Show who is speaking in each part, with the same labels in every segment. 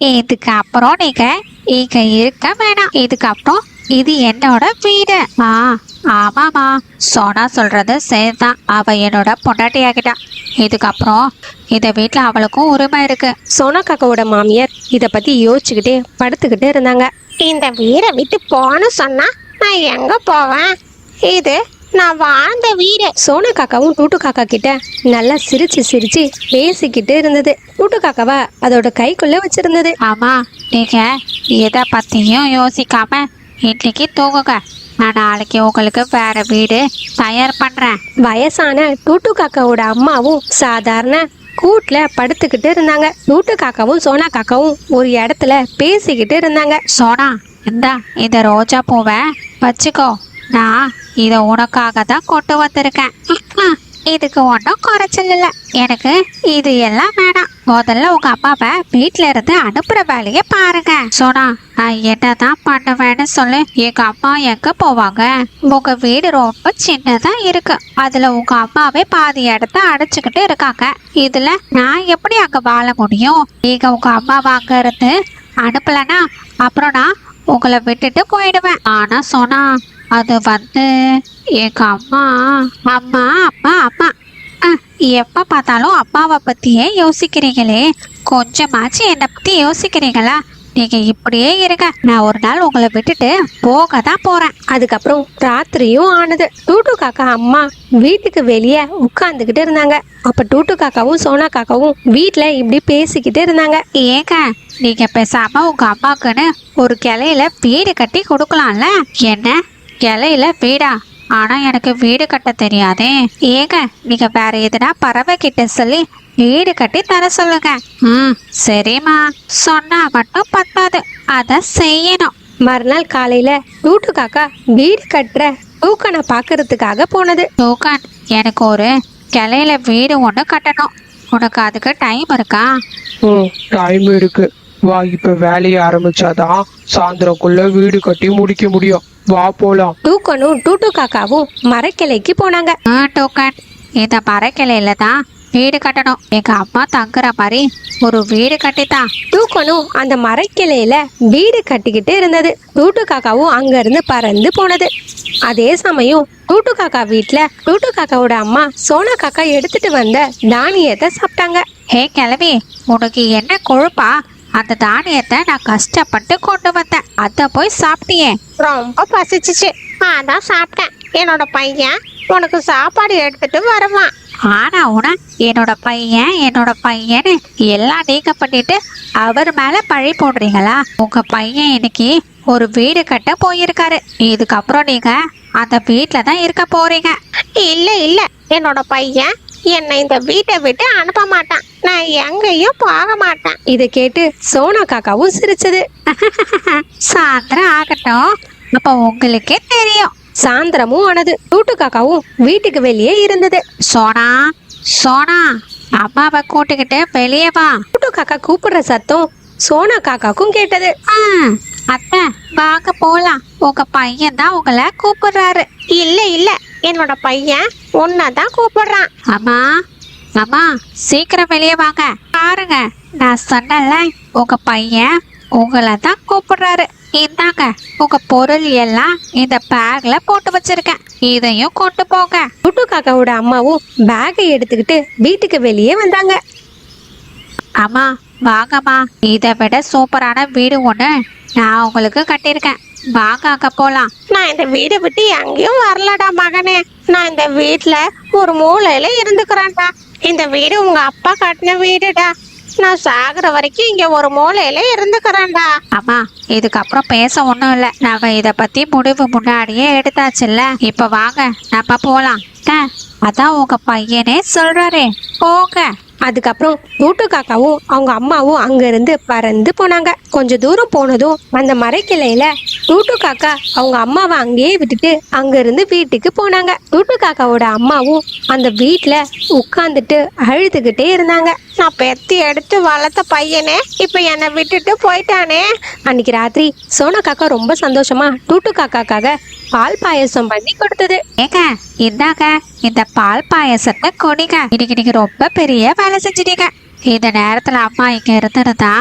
Speaker 1: இதுக்கு அப்புறம் நீங்க இங்க இருக்க வேணாம். இதுக்கப்புறம் இது என்னோட வீடு. ஆமாமா, சோனா சொல்றது சரிதான். அவ என்னோட பொண்டாட்டி ஆகிட்டா. இதுக்கப்புறம் இந்த வீட்டுல அவளுக்கும் உரிமை இருக்கு.
Speaker 2: சோனா காக்காவோட மாமியார் இத பத்தி யோசிச்சுக்கிட்டே படுத்துக்கிட்டு இருந்தாங்க.
Speaker 3: இந்த வீடை விட்டு போன்னு சொன்னா நான் எங்க போவேன்? இது நான் வாழ்ந்த வீடு.
Speaker 2: சோனா காக்காவும் டூட்டு காக்கா கிட்ட நல்லா சிரிச்சு சிரிச்சு பேசிக்கிட்டு இருந்தது. டூட்டு காக்காவை அதோட கைக்குள்ள வச்சிருந்தது.
Speaker 1: ஆமா, நீங்க எதை பத்தியும் யோசிக்காம இன்னைக்கு தூங்குங்க. நான் நாளைக்கு உங்களுக்கு வேற வீடு தயார் பண்றேன்.
Speaker 2: வயசான டூட்டு காக்காவோட அம்மாவும் சாதாரண கூட்டுல படுத்துக்கிட்டு இருந்தாங்க. டூட்டு காக்காவும் சோனா காக்காவும் ஒரு இடத்துல பேசிக்கிட்டு இருந்தாங்க.
Speaker 1: சோனா, இந்த ரோஜா பூவை வச்சுக்கோ. நான் இதை உனக்காக தான் கொண்டு வந்திருக்கேன். இதுக்கு ஒன்றும் குறைச்சல் இல்லை. எனக்கு இது எல்லாம் வேணாம். முதல்ல உங்க அம்மாவை வீட்டுல இருந்து அனுப்புற வேலையை பாருங்க. சோனா, நான் என்னதான் பண்ணுவேன்னு சொல்லு. எங்க அம்மா எங்க போவாங்க? உங்க வீடு ரொம்ப சின்னதா இருக்கு. அதுல உங்க அம்மாவே பாதி இடத்த அடைச்சுக்கிட்டு இருக்காங்க. இதுல நான் எப்படி அங்க வாழ முடியும்? நீங்க உங்க அம்மாவை அங்க இருந்து அனுப்பலனா அப்புறம் நான் உங்களை விட்டுட்டு போயிடுவேன். ஆனா சோனா, அது எங்க அம்மா அம்மா அம்மா அம்மா எப்ப பார்த்தாலும் அம்மாவை பத்தியே யோசிக்கிறீங்களே, கொஞ்சமாச்சு என்னை பத்தி யோசிக்கிறீங்களா? நீங்க இப்படியே இருங்க. நான் ஒரு நாள் உங்களை விட்டுட்டு போக தான் போறேன்.
Speaker 2: அதுக்கப்புறம் ராத்திரியும் ஆனது. டூட்டு காக்கா அம்மா வீட்டுக்கு வெளியே உட்கார்ந்துகிட்டு இருந்தாங்க. அப்ப டூட்டு காக்காவும் சோனா காக்காவும் வீட்டுல இப்படி பேசிக்கிட்டு இருந்தாங்க.
Speaker 1: ஏங்க, நீங்க பேசாம உங்க அம்மாக்குன்னு ஒரு கிளையில வீடு கட்டி கொடுக்கலாம்ல? என்ன கிளையில வீடா? ஆனா எனக்கு வீடு கட்ட தெரியாதே. ஏங்க, நீங்க வேற எதுனா பறவை கிட்ட சொல்லி வீடு கட்டி தர சொல்லுங்க. சரிம்மா, சொன்னா மட்டும் பத்தாது, அத செய்யணும்.
Speaker 2: மறுநாள் காலையில டூட்டு காக்கா வீடு கட்டுற டூக்கனை பாக்குறதுக்காக போனது.
Speaker 1: டூக்கன், எனக்கு ஒரு கிளையில வீடு ஒண்ணு கட்டணும். உனக்கு அதுக்கு டைம் இருக்கா?
Speaker 4: டைம் இருக்கு. வா, இப்ப வேலையை ஆரம்பிச்சாதான் சாயந்தரக்குள்ள வீடு கட்டி முடிக்க முடியும். வா போலாம்.
Speaker 2: டூக்கனும் டூட்டு காக்காவும் மரக்கிளைக்கு போனாங்க.
Speaker 1: டூக்கன், இந்த மரக்கிளையில தான் வீடு கட்டணும். எங்க அம்மா தங்குற மாதிரி ஒரு வீடு கட்டித்தான்.
Speaker 2: டூக்கனும் அந்த மரக்கிளையில வீடு கட்டிக்கிட்டு இருந்தது. டூட்டு காக்காவும் அங்க இருந்து பறந்து போனது. அதே சமயம் டூட்டு காக்கா வீட்டுல டூட்டு காக்காவோட அம்மா சோனா காக்கா எடுத்துட்டு வந்த தானியத்தை சாப்பிட்டாங்க.
Speaker 1: ஹே கிளவி, உனக்கு என்ன கொழுப்பா? அந்த தானியத்தை நான் கஷ்டப்பட்டு கொண்டு வந்தேன், அத போய் சாப்பிட்டியே.
Speaker 3: ரொம்ப பசிச்சிச்சு, அதான் சாப்பிட்டேன். என்னோட பையன் உனக்கு சாப்பாடு எடுத்துட்டு வருவான்.
Speaker 1: ஆனா என்னோட பையன்னு எல்லாம் நீங்க பண்ணிட்டு அவர் மேல பழி போடுறீங்களா? உங்க பையன் இன்னைக்கு ஒரு வீடு கட்ட போயிருக்காரு. இதுக்கப்புறம் நீங்க அந்த வீட்டுல தான் இருக்க போறீங்க.
Speaker 3: இல்ல இல்ல, என்னோட பையன் என்னை இந்த வீட்டை விட்டு அனுப்ப மாட்டான். நான் எங்கேயும் போக மாட்டேன்.
Speaker 2: இதை கேட்டு சோனா காக்காவும் சிரிச்சது.
Speaker 1: சாயந்தரம் ஆகட்டும், அப்ப உங்களுக்கே தெரியும்.
Speaker 2: சாயந்தரமும் ஆனது. டூட்டு காக்காவும் வீட்டுக்கு வெளியே இருந்தது.
Speaker 1: சோனா, சோனா, அம்மாவை கூட்டுக்கிட்டு வெளியே வா.
Speaker 2: டூட்டு காக்கா கூப்பிடுற சத்தம் சோனா காக்காக்கும் கேட்டது.
Speaker 1: அத்தை, வாங்க போலாம். உங்க பையன் தான் உங்களை கூப்பிடுறாரு.
Speaker 3: இல்ல இல்ல, என்னோட பையன் உன்னதான் கூப்பிடுறான்.
Speaker 1: அம்மா, அம்மா, சீக்கிரம் வெளியே வாங்க. பாருங்க, நான் சொன்னல, உங்க பையன் உங்களை தான் கூப்பிடுறாரு. இந்தாங்க, உங்க பொருள் எல்லாம் இந்த பேக்ல போட்டு வச்சிருக்கேன். இதையும் கொண்டு போங்க.
Speaker 2: டூட்டு காக்காவோட அம்மாவும் பேக்கை எடுத்துக்கிட்டு வீட்டுக்கு வெளியே வந்தாங்க.
Speaker 1: அம்மா, வாங்கம்மா. இதை விட சூப்பரான வீடு ஒண்ணு நான் உங்களுக்கு கட்டியிருக்கேன். வாங்க, அங்க போலாம்.
Speaker 3: நான் இந்த வீடை விட்டு எங்கேயும் வரலடா மகனே. நான் இந்த வீட்டுல ஒரு மூலையில இருந்துக்கிறேன்டா. இந்த வீடு உங்க அப்பா கட்டின வீடுடா. நான் சாகுற வரைக்கும் இங்க ஒரு மூலையில இருந்துக்கிறேன்டா.
Speaker 1: அம்மா, இதுக்கப்புறம் பேச ஒண்ணும் இல்ல. நம்ம இத பத்தி முடிவு முன்னாடியே எடுத்தாச்சுல்ல. இப்ப வாங்க, நம்ம போலாம். அதான் உங்க பையனே சொல்றாரே, போங்க.
Speaker 2: அதுக்கப்புறம் டூட்டு காக்காவும் அவங்க அம்மாவும் அங்க இருந்து பறந்து போனாங்க. கொஞ்ச தூரம் போனதும் அந்த மரக்கிளையில டூட்டு காக்கா அவங்க அம்மாவை அங்கேயே விட்டுட்டு அங்க இருந்து வீட்டுக்கு போனாங்க. டூட்டு காக்காவோட அம்மாவும் அந்த வீட்டுல உட்கார்ந்துட்டு அழுதுகிட்டே இருந்தாங்க.
Speaker 3: நான் பெத்தி எடுத்து வளர்த்த பையனே இப்ப என்னை விட்டுட்டு போயிட்டானே.
Speaker 2: அன்னைக்கு ராத்திரி சோனா காக்கா ரொம்ப சந்தோஷமா டூட்டு காக்காக்காக பால் பாயசம் பண்ணி கொடுத்தது.
Speaker 1: ஏங்க, இந்தாங்க, இந்த பால் பாயசத்தை குடிங்க. இன்னைக்கு நீங்க ரொம்ப பெரிய வேலை செஞ்சிட்டீங்க. இந்த நேரத்துல அம்மா இங்க இருந்திருந்தா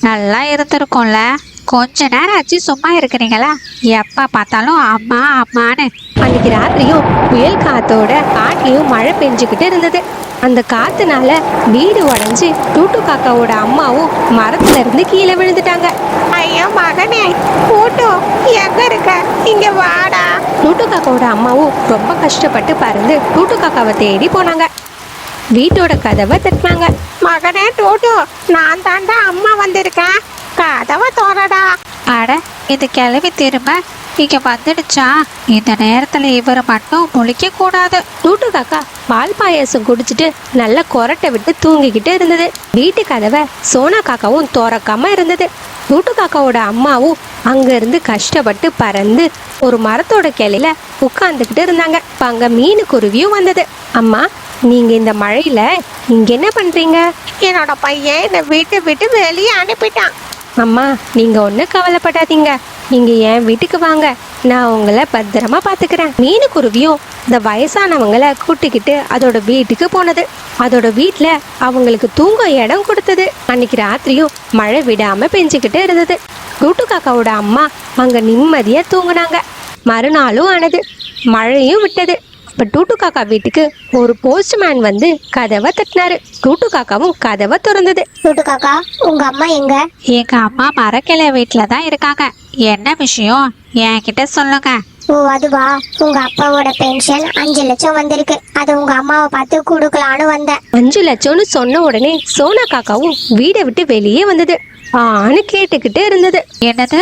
Speaker 1: நல்லா இருந்திருக்கும்ல. கொஞ்ச நேரம் ஆச்சு சும்மா இருக்கிறீங்களா? எப்ப பார்த்தாலும் அம்மா அம்மான்னு.
Speaker 2: அன்னைக்கு ராத்திரியும் புயல் காத்தோட காட்டிலையும் மழை பெஞ்சுக்கிட்டு இருந்தது. அந்த காத்துனால வீடு உடைஞ்சு டூட்டு காக்காவோட அம்மாவும் மரத்துல இருந்து கீழே விழுந்துட்டாங்க.
Speaker 3: ஐயோ மகனே, கூட்டு எங்க இருக்க? இங்க வாடா.
Speaker 2: டூட்டு காக்காவோட அம்மாவும் ரொம்ப கஷ்டப்பட்டு பறந்து டூட்டு காக்காவை தேடி போனாங்க. வீட்டோட கதவை தட்டினாங்க.
Speaker 3: மகனே டூட்டு, நான் தாண்டா அம்மா வந்திருக்கேன், கதவை தோறடா.
Speaker 1: அட, இது கிளவி திரும்ப இங்க வந்துடுச்சா? இந்த நேரத்துல இவர் மட்டும் முழிக்க கூடாது.
Speaker 2: டூட்டு காக்கா பால் பாயாசம் குடிச்சிட்டு நல்லா கொரட்டை விட்டு தூங்கிக்கிட்டு இருந்தது. வீட்டு கதவை சோனா காக்காவும் திறக்காம இருந்தது. டூட்டு காக்காவோட அம்மாவும் அங்க இருந்து கஷ்டப்பட்டு பறந்து ஒரு மரத்தோட கிளையில உட்கார்ந்துக்கிட்டு இருந்தாங்க. இப்ப அங்க மீனு குருவியும் வந்தது. அம்மா, நீங்க இந்த மழையில இங்க என்ன பண்றீங்க?
Speaker 3: என்னோட பையன் என்னை வீட்டை விட்டு வெளியே அனுப்பிட்டான்.
Speaker 2: அம்மா, நீங்க ஒன்றும் கவலைப்படாதீங்க, நீங்க என் வீட்டுக்கு வாங்க, நான் உங்களை பத்திரமா பாத்துக்கிறேன். மீனு குருவியும் இந்த வயசானவங்களை கூட்டிக்கிட்டு அதோட வீட்டுக்கு போனது. அதோட வீட்டுல அவங்களுக்கு தூங்க இடம் கொடுத்தது. அன்னைக்கு ராத்திரியும் மழை விடாம பெஞ்சுக்கிட்டு இருந்தது. டூட்டு காக்காவோட அம்மா அங்க நிம்மதியா தூங்குனாங்க. மறுநாளும் ஆனது, மழையும் விட்டது. இப்ப டூட்டு காக்கா வீட்டுக்கு ஒரு போஸ்ட்மேன் வந்து கதவை தட்டினாரு. டூட்டு காக்காவும் கதவை திறந்தது.
Speaker 5: டூட்டு காக்கா, உங்க அம்மா எங்க?
Speaker 1: எங்க அம்மா மரக்கிளை வீட்டுல தான் இருக்காங்க. என்ன விஷயம் என்கிட்ட சொல்லுங்க.
Speaker 5: ஓ அதுவா, உங்க அப்பாவோட பென்ஷன் 5 லட்சம் வந்திருக்கு, அது உங்க அம்மாவை பார்த்து கொடுக்கலான்னு வந்தேன்.
Speaker 2: 5 லட்சம்னு சொன்ன உடனே சோனா காக்காவும் வீடை விட்டு வெளியே வந்தது. ஆன்னு கேட்டுக்கிட்டு இருந்தது.
Speaker 1: என்னது,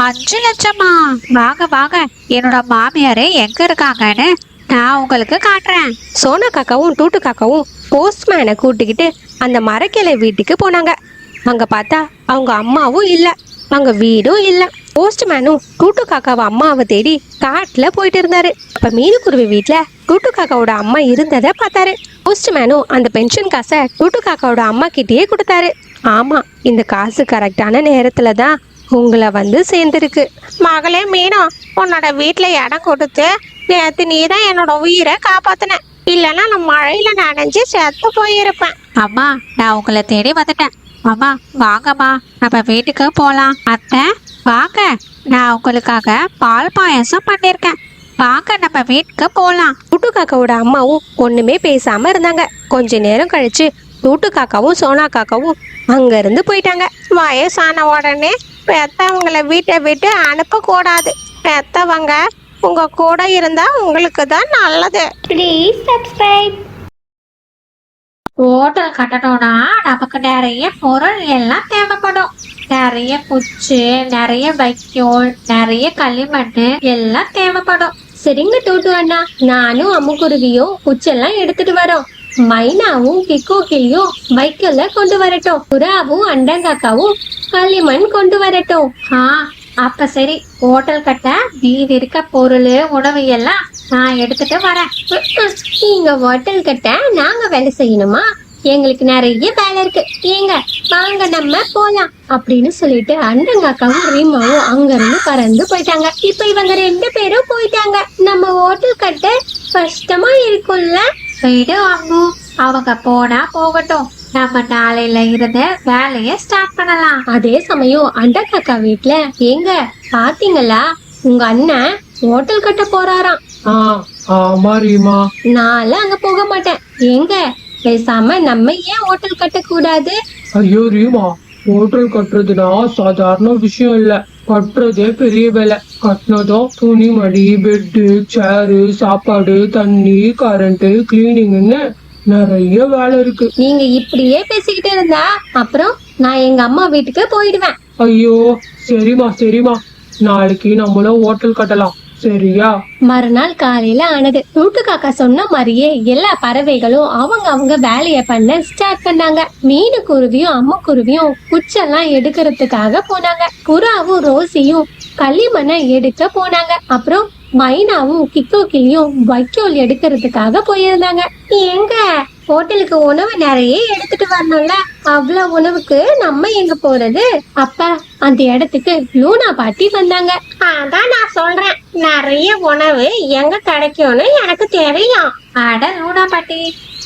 Speaker 1: 5 லட்சமா? வாங்க வாங்க, என்னோட மாமியாரு எங்க இருக்காங்கன்னு நான் உங்களுக்கு காட்டுறேன்.
Speaker 2: சோனா காக்காவும் டூட்டு காக்காவும் போஸ்ட்மேனை கூட்டிக்கிட்டு அந்த மரக்கிளை வீட்டுக்கு போனாங்க. அங்க பார்த்தா அவங்க அம்மாவும் இல்ல, அங்க வீடும் இல்ல. போஸ்ட்மேனும் டூட்டு காக்காவை அம்மாவை தேடி காட்டுல போயிட்டு இருந்தாரு. அப்ப மீனுக்குருவி வீட்டுல டூட்டு காக்காவோட அம்மா இருந்ததை பார்த்தாரு. போஸ்ட்மேனும் அந்த பென்ஷன் காசை டூட்டு காக்காவோட அம்மா கிட்டேயே கொடுத்தாரு. ஆமா, இந்த காசு கரெக்டான நேரத்துல தான் உங்களை வந்து சேர்ந்துருக்கு.
Speaker 3: மகளே மீனோ, உன்னோட வீட்டுல இடம் கொடுத்து நேத்து நீ தான் என்னோட உயிரை காப்பாத்தின. இல்லைன்னா நான் மழையில நனைஞ்சு செத்து போயிருப்பேன்.
Speaker 1: அம்மா, நான் உங்களை தேடி வந்துட்டேன். அம்மா வாங்கம்மா, நம்ம வீட்டுக்கு போலாம். அத்தை வாங்க, நான் உங்களுக்காக பால் பாயாசம் பண்ணிருக்கேன். வாங்க நம்ம வீட்டுக்கு போலாம்.
Speaker 2: டூட்டு காக்காவோட அம்மாவும் ஒண்ணுமே பேசாம இருந்தாங்க. கொஞ்ச நேரம் கழிச்சு டூட்டு காக்காவும் சோனா காக்காவும் அங்க இருந்து போயிட்டாங்க.
Speaker 3: வயசான உடனே பெத்தவங்களை வீட்டை விட்டு அனுப்ப கூடாது. பெத்தவங்க உங்க கூட இருந்தா உங்களுக்கு தான் நல்லது.
Speaker 5: Please subscribe.
Speaker 1: ஹோட்டல் கட்டணும்னா நமக்கு நிறைய பொருள் எல்லாம் தேவைப்படும். நிறைய குச்சி, நிறைய வைக்கோல், நிறைய களிமண் எல்லாம் தேவைப்படும்.
Speaker 2: சரிங்க டூட்டு அண்ணா, நானும் அம்முக்குருவியும் குச்செல்லாம் எடுத்துட்டு வரோம். மைனாவும் கிக்கோக்கிலியும் வைக்கோல கொண்டு வரட்டும். புறாவும் அண்டங்காக்காவும் களிமண் கொண்டு வரட்டும்.
Speaker 1: ஆ, அப்ப சரி. ஹோட்டல் கட்ட மீதி இருக்க பொருள், உணவு எல்லாம் நான் எடுத்துட்டு வரேன்.
Speaker 2: நீங்க ஹோட்டல் கட்ட நாங்க வேலை செய்யணுமா? எங்களுக்கு நிறைய வேலை இருக்கு, ஏங்க வாங்க நம்ம போலாம் அப்படின்னு சொல்லிட்டு அண்டங்காக்காவும் ரீமாவும் அங்க இருந்து பறந்து போயிட்டாங்க. இப்ப இவங்க 2 பேரும் போயிட்டாங்க. நம்ம ஹோட்டல் கட்ட கஷ்டமா இருக்கும்ல.
Speaker 1: விடு அம்மு, அவங்க போனா போகட்டும். நம்ம நாளையில இருந்து வேலைய ஸ்டார்ட் பண்ணலாம்.
Speaker 2: அதே சமயம் அண்டங்காக்கா வீட்டுல, ஏங்க பாத்தீங்களா, உங்க அண்ணன் ஹோட்டல் கட்ட போறாராம்.
Speaker 4: ஆமா ரீமா.
Speaker 2: நான்லாம் அங்க போக மாட்டேன். ஏங்க பேசாம நம்ம ஏன் ஹோட்டல் கட்ட கூடாது?
Speaker 4: ஐயோ ரீமா, ஹோட்டல் கட்டுறதுனா சாதாரண விஷயம் இல்ல, கட்டுறதே பெரிய வேலை. கட்டினதும் துணி மடி, பெட்டு, சேரு, சாப்பாடு, தண்ணி, கரண்ட், கிளீனிங்னு நிறைய வேலை இருக்கு.
Speaker 2: நீங்க இப்படியே பேசிக்கிட்டு இருந்தா அப்புறம் நான் எங்க அம்மா வீட்டுக்கு போயிடுவேன்.
Speaker 4: ஐயோ சரிம்மா சரிம்மா, நாளைக்கு நம்மளும் ஹோட்டல் கட்டலாம், சரியா?
Speaker 2: மறுநாள் காலையில ஆனது. டூட்டு காக்கா சொன்ன மாதிரியே எல்லா பறவைகளும் அவங்க வேலைய பண்ண ஸ்டார்ட் பண்ணாங்க. மீனு குருவியும் அம்மா குருவியும் குச்செல்லாம் எடுக்கிறதுக்காக போனாங்க. புறாவும் ரோசியும் களிமண்ணை எடுக்க போனாங்க. அப்புறம் மைனாவும் கிக்கோக்கிலியும் வைக்கோல் எடுக்கிறதுக்காக போயிருந்தாங்க. எங்க ஹோட்டலுக்கு உணவு நிறைய எடுத்துட்டு வரணும்ல, அவ்வளவு உணவுக்கு நம்ம எங்க போறது? அப்ப அந்த இடத்துக்கு லூனா பாட்டி வந்தாங்க.
Speaker 3: அதான் நான் சொல்றேன், நிறைய உணவு எங்க கிடைக்கும்னு எனக்கு தெரியும்.
Speaker 1: அட லூனா பாட்டி,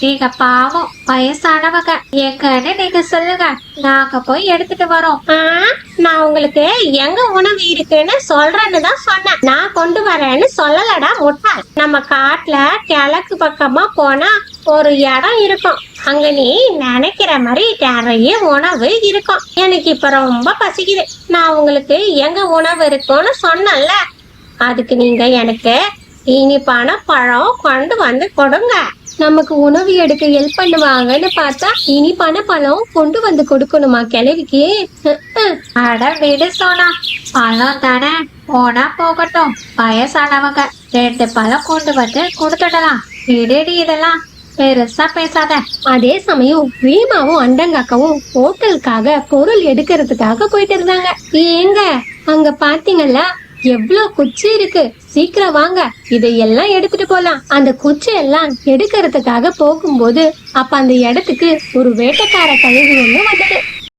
Speaker 1: நீங்க பாவம் வயசானவங்க, எங்கன்னு நீங்க சொல்லுங்க, நாங்க போய் எடுத்துட்டு வரோம்.
Speaker 3: நான் உங்களுக்கு எங்க உணவு இருக்குன்னு சொல்றேன்னு தான் சொன்னேன். நான் கொண்டு வரேன்னு சொல்லலடா முட்டை. நம்ம காட்டுல கிழக்கு பக்கமா போனா ஒரு இடம் இருக்கும். அங்க நீ நினைக்கிற மாதிரி நிறைய உணவு இருக்கும். எனக்கு இப்ப ரொம்ப பசிக்குது. நான் உங்களுக்கு எங்க உணவு இருக்குன்னு சொன்னேன்ல, அதுக்கு நீங்க எனக்கு இனிப்பான பழம் கொண்டு வந்து கொடுங்க.
Speaker 2: நமக்கு உணவு எடுக்க ஹெல்ப் பண்ணுவாங்கன்னு பார்த்தா இனிப்பான பழம் கொண்டு வந்து கொடுக்கணுமா கிழவிக்கு?
Speaker 1: அட விடு சோனா, பழம் தானே, போனா போகட்டும். வயசானவங்க 2 பழம் கொண்டு வந்து கொடுத்துடலாம். விடுடி, இதெல்லாம் பெருசா பேசாத.
Speaker 2: அதே சமயம் ரீமாவும் அண்டங்காக்காவும் ஹோட்டலுக்காக பொருள் எடுக்கிறதுக்காக போயிட்டு இருந்தாங்க. ஏங்க அங்க பாத்தீங்களா எவ்வளவு குச்சி இருக்கு, சீக்கிரம் வாங்க இதையெல்லாம் எடுத்துட்டு போலாம். அந்த குச்சி எல்லாம் எடுக்கிறதுக்காக போகும்போது அப்ப அந்த இடத்துக்கு ஒரு வேட்டைக்கார கழுகு ஒண்ணு வந்தது.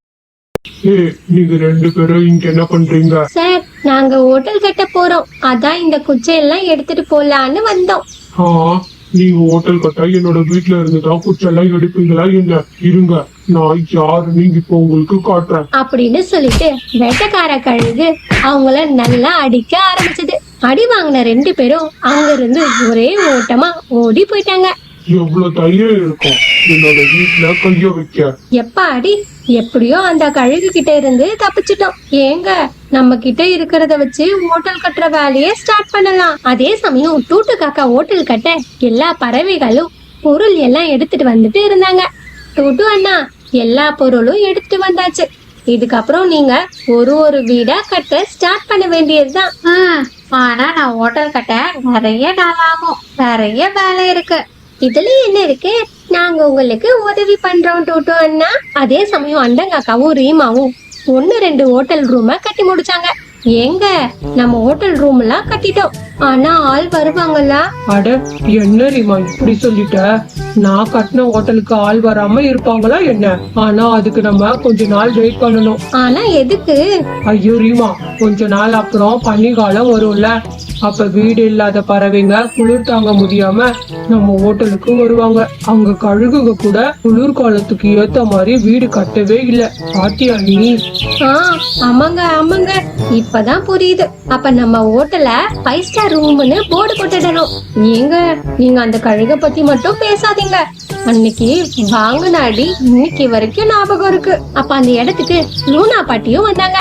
Speaker 4: நீங்க 2 பேரும் இங்க என்ன பண்றீங்க?
Speaker 2: சார், நாங்க ஹோட்டல் கட்ட போறோம், அதான் இந்த குச்சி எல்லாம் எடுத்துட்டு போலான்னு வந்தோம்.
Speaker 4: நீங்க ஹோட்டல் கட்டா என்னோட வீட்டுல இருந்துதான் குச்செல்லாம் எடுப்பீங்களா என்ன? இருங்க, நான் யாருன்னு இப்போ உங்களுக்கு காட்டுறேன்
Speaker 2: அப்படின்னு சொல்லிட்டு வேட்டைக்கார கழுகு அவங்கள நல்லா அடிக்க ஆரம்பிச்சது. அடி வாங்கின 2 பேரும் அங்க இருந்து ஒரே ஓட்டமா ஓடி போயிட்டாங்க.
Speaker 4: எவ்வளவு தைரியம் இருக்கும் என்னோட வீட்டுல கைய வைக்க?
Speaker 2: எப்பாடி, எப்படியோ அந்த கழுகு கிட்ட இருந்து தப்பிச்சிட்டோம். ஏங்க நம்ம கிட்ட இருக்கிறத வச்சு ஹோட்டல் கட்டுற வேலையை ஸ்டார்ட் பண்ணலாம். அதே சமயம் டூட்டு காக்கா ஹோட்டல் கட்ட எல்லா பறவைகளும் பொருள் எல்லாம் எடுத்துட்டு வந்துட்டு இருந்தாங்க. டூட்டு அண்ணா, எல்லா பொருளும் எடுத்துட்டு வந்தாச்சு. இதுக்கப்புறம் நீங்க ஒரு வீடா கட்ட ஸ்டார்ட் பண்ண வேண்டியதுதான்.
Speaker 1: ஆனா நான் ஹோட்டல் கட்ட நிறைய நாள் ஆகும், நிறைய வேலை இருக்கு.
Speaker 2: இதுல என்ன இருக்கு, நாங்க உங்களுக்கு உதவி பண்றோம் டூட்டு அண்ணா. அதே சமயம் அண்டங்காக்காவும் ரீமாவும் 1-2 ஹோட்டல் ரூம கட்டி முடிச்சாங்க. ஏங்க நம்ம ஹோட்டல் ரூம் எல்லாம் கட்டிட்டோம், ஆனா ஆள் வருவாங்களா?
Speaker 4: அட என்ன ரீமா இப்படி சொல்லிட்ட? நான் கட்டின ஹோட்டலுக்கு ஆள் வராம இருப்பாங்களா என்ன? ஆனா அதுக்கு நம்ம கொஞ்ச நாள் வெயிட் பண்ணணும்.
Speaker 2: ஆனா எதுக்கு?
Speaker 4: ஐயோ ரீமா, கொஞ்ச நாள் அப்புறம் பனிக்காலம் வரும்ல, அப்ப வீடு இல்லாத பறவைங்க குளிர் தாங்க முடியாம நம்ம ஹோட்டலுக்கு வருவாங்க. அவங்க கழுகுங்க கூட குளிர்காலத்துக்கு ஏத்த மாதிரி வீடு கட்டவே இல்ல. பாத்தியா நீ?
Speaker 2: ஆமாங்க ஆமாங்க, இப்பதான் புரியுது. அப்ப நம்ம ஹோட்டல 5 ஸ்டார் ரூம்னு போர்டு போட்டுடணும். நீங்க அந்த கழுக பத்தி மட்டும் பேசாதீங்க. அன்னைக்கு வாங்கினாடி இன்னைக்கு வரைக்கும் ஞாபகம் இருக்கு. அப்ப அந்த இடத்துக்கு லூனா பாட்டியும் வந்தாங்க.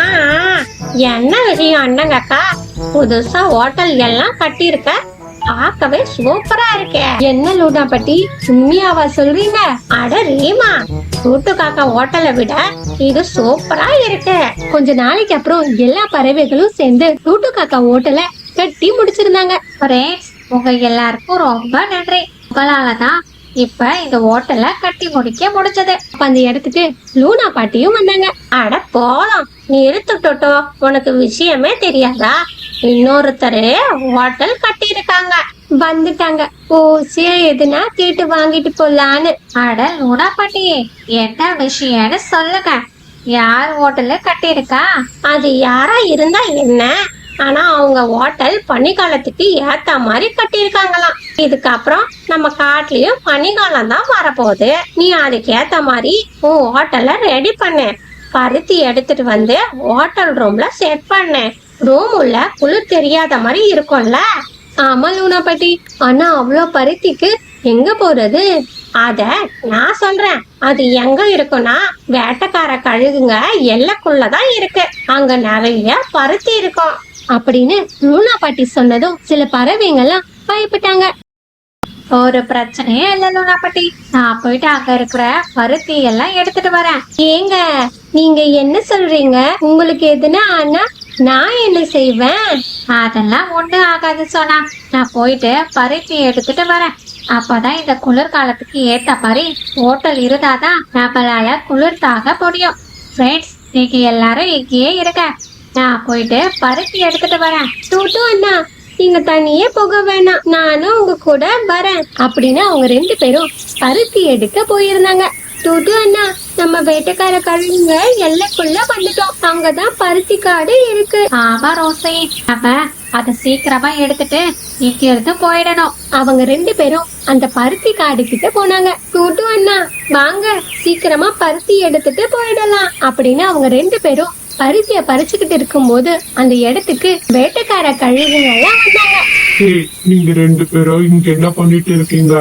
Speaker 3: என்ன விஷயம் அண்ணங்கக்கா? புதுசா ஹோட்டல் எல்லாம் கட்டி இருக்க, பார்க்கவே சூப்பரா இருக்கே.
Speaker 2: என்ன லூனா பாட்டி, உண்மையாவா சொல்றீங்க?
Speaker 3: அட ரீமா, டூட்டு காக்கா ஹோட்டலை விட இது சூப்பரா இருக்கு.
Speaker 2: கொஞ்ச நாளைக்கு அப்புறம் எல்லா பறவைகளும் சேர்ந்து டூட்டு காக்கா ஹோட்டலை கட்டி முடிச்சிருந்தாங்க.
Speaker 1: ஃப்ரெண்ட்ஸ், உங்க எல்லாருக்கும் ரொம்ப நன்றி. உங்களாலதான் இப்ப இந்த ஹோட்டலை கட்டி முடிக்க முடிச்சது.
Speaker 2: அப்ப அந்த இடத்துக்கு லூனா பாட்டியும் வந்தாங்க.
Speaker 3: அட போலாம், நிறுத்துட்டோ, உனக்கு விஷயமே தெரியாதா? இன்னொருத்தரு ஹோட்டல் கட்டி இருக்காங்க.
Speaker 2: வந்துட்டாங்க. ஓசியா எதுனா கேட்டு வாங்கிட்டு போலான்னு.
Speaker 1: அட லூனா பாட்டி, என்ன விஷயம்னு சொல்லுங்க. யார் ஹோட்டலு கட்டியிருக்கா?
Speaker 3: அது யாரா இருந்தா என்ன, ஆனா அவங்க ஹோட்டல் பனிக்காலத்துக்கு ஏத்த மாதிரி கட்டியிருக்காங்களாம். இதுக்கப்புறம் நம்ம காட்டுலயும் பனிக்காலம் தான் வரப்போகுது. நீ அதுக்கு ஏத்த மாதிரி உன் ஹோட்டலை ரெடி பண்ணு. பருத்தி எடுத்துட்டு வந்து ஹோட்டல் ரூம்ல செட் பண்ணு. ரூம் உள்ள குளிர் தெரியாத மாதிரி இருக்கும்ல.
Speaker 2: ஆமா லூனா பாட்டி, ஆனா அவ்வளோ பருத்திக்கு எங்க போறது?
Speaker 3: அத நான் சொல்றேன். அது எங்க இருக்குன்னா வேட்டைக்கார கழுகுங்க எல்லைக்குள்ளதான் இருக்கு. அங்க நிறைய பருத்தி இருக்கும்
Speaker 2: அப்படின்னு லூனா பாட்டி சொன்னதும் சில பறவைங்கெல்லாம் பயப்பட்டாங்க.
Speaker 1: ஒரு பிரச்சனையே இல்ல லூனா பாட்டி, நான் போயிட்டு அங்க இருக்கிற பருத்தி எல்லாம் எடுத்துட்டு வரேன்.
Speaker 2: ஏங்க நீங்க என்ன சொல்றீங்க? உங்களுக்கு எதுனா ஆனா நான் என்ன செய்வேன்?
Speaker 1: அதெல்லாம் ஒண்ணு ஆகாது சொன்னா. நான் போயிட்டு பருத்தி எடுத்துட்டு வரேன். அப்பதான் இந்த குளிர்காலத்துக்கு ஏத்த மாதிரி ஹோட்டல் இருந்தாதான் நம்மளால குளிர் தாங்க முடியும். ஃப்ரெண்ட்ஸ், நீங்க எல்லாரும் இங்கேயே இருக்க, நான் போயிட்டு பருத்தி எடுத்துட்டு வரேன்.
Speaker 2: டூட்டு அண்ணா, நீங்க தனியே போக வேணாம், நானும் உங்க கூட வரேன் அப்படின்னு அவங்க 2 பேரும் பருத்தி எடுக்க போயிருந்தாங்க. டூட்டு அண்ணா, நம்ம வேட்டைக்கார கழுகுங்க எல்லைக்குள்ள வந்துட்டோம். அங்கதான் பருத்தி காடு இருக்கு.
Speaker 1: ஆமா ரோசி, நம்ம அதை சீக்கிரமா எடுத்துட்டு இங்க இருந்து போயிடணும்.
Speaker 2: அவங்க 2 பேரும் அந்த பருத்தி காடு கிட்ட போனாங்க. டூட்டு அண்ணா வாங்க, சீக்கிரமா பருத்தி எடுத்துட்டு போயிடலாம் அப்படின்னு அவங்க 2 பேரும் பருத்திய பறிச்சுக்கிட்டு இருக்கும்போது அந்த இடத்துக்கு வேட்டைக்கார கழுகுங்க எல்லாம் வந்தாங்க.
Speaker 4: ஏய், நீங்க 2 பேரும் இங்க என்ன பண்ணிட்டு இருக்கீங்க?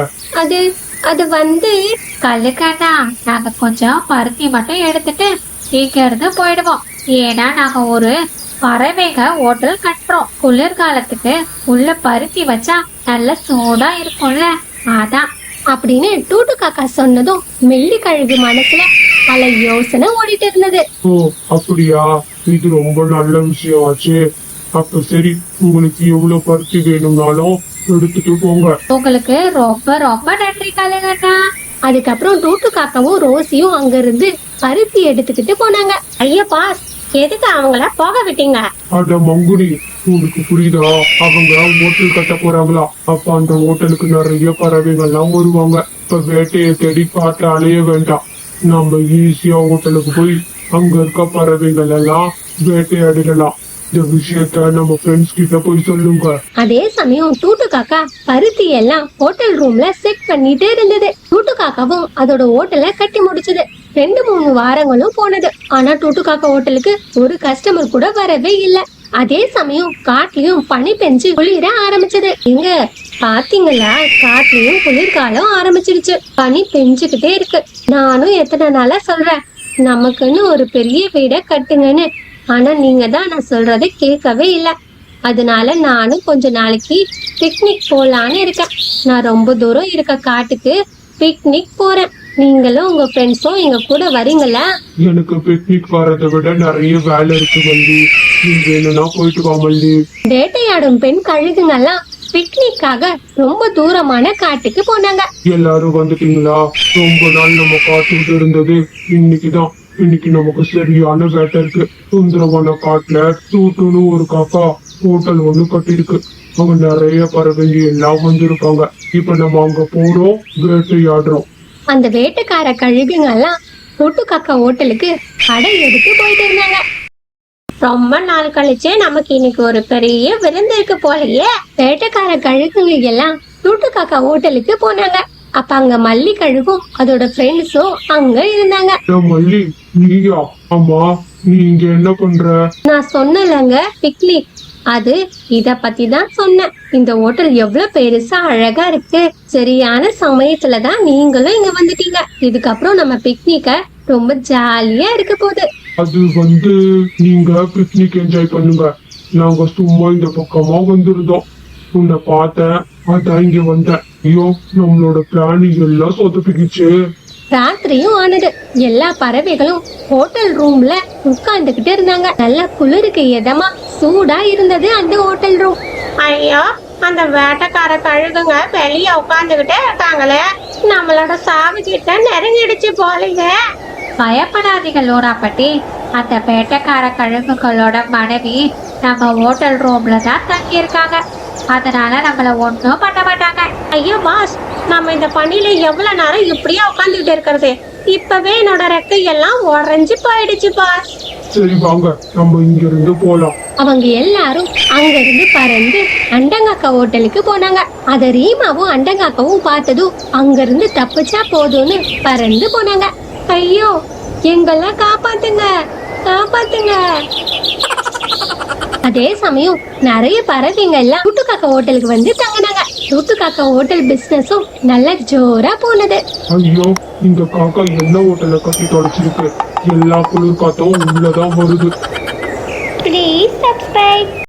Speaker 2: அது வந்து
Speaker 1: கல்லுக்கண்ணா, நாங்க கொஞ்சம் பருத்தி மட்டும் எடுத்துட்டு இங்க இருந்து போயிடுவோம். ஏன்னா நாங்க ஒரு பறவைக ஹோட்டல் கட்டுறோம். குளிர்காலத்துக்கு உள்ள பருத்தி வச்சா நல்ல சூடா இருக்கும்ல, அதான்.
Speaker 2: அப்படின்னு டூட்டு காக்கா சொன்னதும் மெல்லி கழுகு மனசுல பல யோசனை ஓடிட்டு இருந்தது.
Speaker 4: ஓ அப்படியா, இது ரொம்ப நல்ல விஷயம் ஆச்சு. அப்ப சரி, உங்களுக்கு எவ்வளவு பருத்தி வேணும்னாலும் எடுத்துட்டு போங்க.
Speaker 1: உங்களுக்கு ரொம்ப ரொம்ப நன்றி கல்லுக்கண்ணா.
Speaker 2: அதுக்கப்புறம் டூட்டு காக்காவும் ரோசியும் அங்க இருந்து பருத்தி எடுத்துக்கிட்டு போனாங்க.
Speaker 3: ஐயப்பா, எதுக்கு அவங்கள போக விட்டீங்க?
Speaker 4: அட மங்குனி, உங்களுக்கு புரியுதா? அவங்க ஹோட்டல் கட்ட போறாங்களா? அப்ப அந்த ஹோட்டலுக்கு நிறைய பறவைகள்லாம் வருவாங்க. இப்ப வேட்டையை தேடி காட்ட அலைய வேண்டாம். நம்ம ஈஸியா ஹோட்டலுக்கு போய் அங்க இருக்க பறவைகள் எல்லாம் வேட்டையாடிடலாம். இந்த விஷயத்த நம்ம ஃப்ரெண்ட்ஸ் கிட்ட போய் சொல்லுங்க.
Speaker 2: அதே சமயம் டூட்டு காக்கா பருத்தி எல்லாம் ஹோட்டல் ரூம்ல செட் பண்ணிட்டு இருந்தது. டூட்டு காக்காவும் அதோட ஹோட்டலை கட்டி முடிச்சது. 2-3 வாரங்களும் போனது. ஆனா டூட்டு காக்கா ஹோட்டலுக்கு ஒரு கஸ்டமர் கூட வரவே இல்ல. அதே சமயம் காட்டுலயும் பனி பெஞ்சு குளிர ஆரம்பிச்சது. எங்க பாத்தீங்களா, காட்டுலயும் குளிர்காலம் ஆரம்பிச்சிருச்சு. பனி பெஞ்சுக்கிட்டே இருக்கு. நானும் எத்தனை நாளா சொல்றேன், நமக்குன்னு ஒரு பெரிய வீடை கட்டுங்கன்னு. ஆனா நீங்க தான் நான் சொல்றதை கேட்கவே இல்லை. அதனால நானும் கொஞ்ச நாளைக்கு பிக்னிக் போலான்னு இருக்கேன். நான் ரொம்ப தூரம் இருக்க காட்டுக்கு பிக்னிக் போறேன். நீங்களும் உங்க ஃப்ரெண்ட்ஸும் எங்க கூட வரீங்களா?
Speaker 4: எனக்கு பிக்னிக் வரதை விட நிறைய வேலை இருக்கு வள்ளி. நீங்க வேணும்னா போயிட்டு வா வள்ளி.
Speaker 2: வேட்டையாடும் பெண் கழுகுங்கெல்லாம் பிக்னிக்காக ரொம்ப தூரமான காட்டுக்கு போனாங்க.
Speaker 4: எல்லாரும் வந்துட்டீங்களா? ரொம்ப நாள் நம்ம காத்துட்டு இருந்தது இன்னைக்குதான். இன்னைக்கு நமக்கு சரியான வேட்டை இருக்கு. சுந்தரவன காட்டுல டூட்டுன்னு ஒரு காக்கா ஹோட்டல் ஒண்ணு கட்டிருக்கு. அங்க நிறைய பறவைங்க எல்லாம் வந்திருக்காங்க. இப்ப நம்ம அங்க போறோம், வேட்டையாடுறோம்.
Speaker 2: அந்த வேட்டைக்கார கழுகுங்கெல்லாம் டூட்டு காக்கா ஹோட்டலுக்கு கடை எடுத்து போயிட்டு இருந்தாங்க.
Speaker 3: ரொம்ப நாள் கழிச்சு நமக்கு இன்னைக்கு ஒரு பெரிய விருந்து இருக்கு போலயே.
Speaker 2: வேட்டைக்கார கழுகுங்க எல்லாம் டூட்டு காக்கா ஹோட்டலுக்கு போனாங்க. அப்ப அங்க மல்லி கழுகும் அதோட ஃப்ரெண்ட்ஸும் அங்க இருந்தாங்க.
Speaker 4: மல்லி, நீயா? ஆமா, நீ இங்க என்ன பண்ற?
Speaker 2: நான் சொன்னலங்க பிக்னிக், அது இத பத்தி தான் சொன்னேன். இந்த ஹோட்டல் எவ்வளவு பெருசா அழகா இருக்கு. சரியான சமயத்துலதான் நீங்களும் இங்க வந்துட்டீங்க. இதுக்கப்புறம் நம்ம பிக்னிக்க ரொம்ப ஜாலியா இருக்க போகுது.
Speaker 4: அது வந்து நீங்க பிக்னிக் என்ஜாய் பண்ணுங்க. நாங்க சும்மா இந்த பக்கமா வந்திருந்தோம். உன்னை பார்த்தேன், அதான் இங்க வந்தேன். ஐயோ, நம்மளோட பிளான் எல்லாம் சொதப்பிக்கிச்சு.
Speaker 2: ராத்திரியும் ஆனது. எல்லா பறவைகளும் ஹோட்டல் ரூம்ல உட்கார்ந்துகிட்டு இருந்தாங்க. நல்ல குளிருக்கு இதமா சூடா இருந்தது அந்த ஹோட்டல் ரூம்.
Speaker 3: ஐயோ, அந்த வேட்டைக்கார கழுகுங்க வெளிய உட்காந்துக்கிட்டே இருக்காங்களே. நம்மளோட சாவு கிட்ட நெருங்கிடுச்சு போலீங்க.
Speaker 1: பயப்படாதீங்க லோராப்பட்டி. அந்த வேட்டைக்கார கழுகுகளோட மனைவி நம்ம ஹோட்டல் ரூம்ல தான் தங்கி இருக்காங்க. அதனால நம்மள ஒன்றும் பண்ண மாட்டாங்க.
Speaker 3: ஐயோ பாஸ், நம்ம இந்த பனியில எவ்வளவு நேரம் இப்படியே உட்காந்துக்கிட்டு இருக்கிறது? இப்பவே என்னோட ரெக்கை எல்லாம் உறைஞ்சு போயிடுச்சு பாஸ்.
Speaker 4: சரி வாங்க, நம்ம இங்க இருந்து போலாம்.
Speaker 2: அவங்க எல்லாரும் அங்க இருந்து பறந்து அண்டங்காக்கா ஹோட்டலுக்கு போனாங்க. அத ரீமாவும் அண்டங்காக்காவும் பார்த்ததும் அங்க இருந்து தப்பிச்சா போதும்னு பறந்து போனாங்க. ஐயோ, எங்கெல்லாம் காப்பாத்துங்க, காப்பாத்துங்க. அதே சமயம் நிறைய பறவைங்க எல்லாம் டூட்டு காக்கா ஹோட்டலுக்கு வந்து தங்கினாங்க. டூட்டு காக்கா ஹோட்டல் பிசினஸும் நல்ல ஜோரா போனது.
Speaker 4: ஐயோ, இந்த காக்கா என்ன ஹோட்டலை கட்டி தொலைச்சிருக்கு. எல்லா குளிர் காத்தும் உள்ளதான் வருது.
Speaker 5: Please subscribe.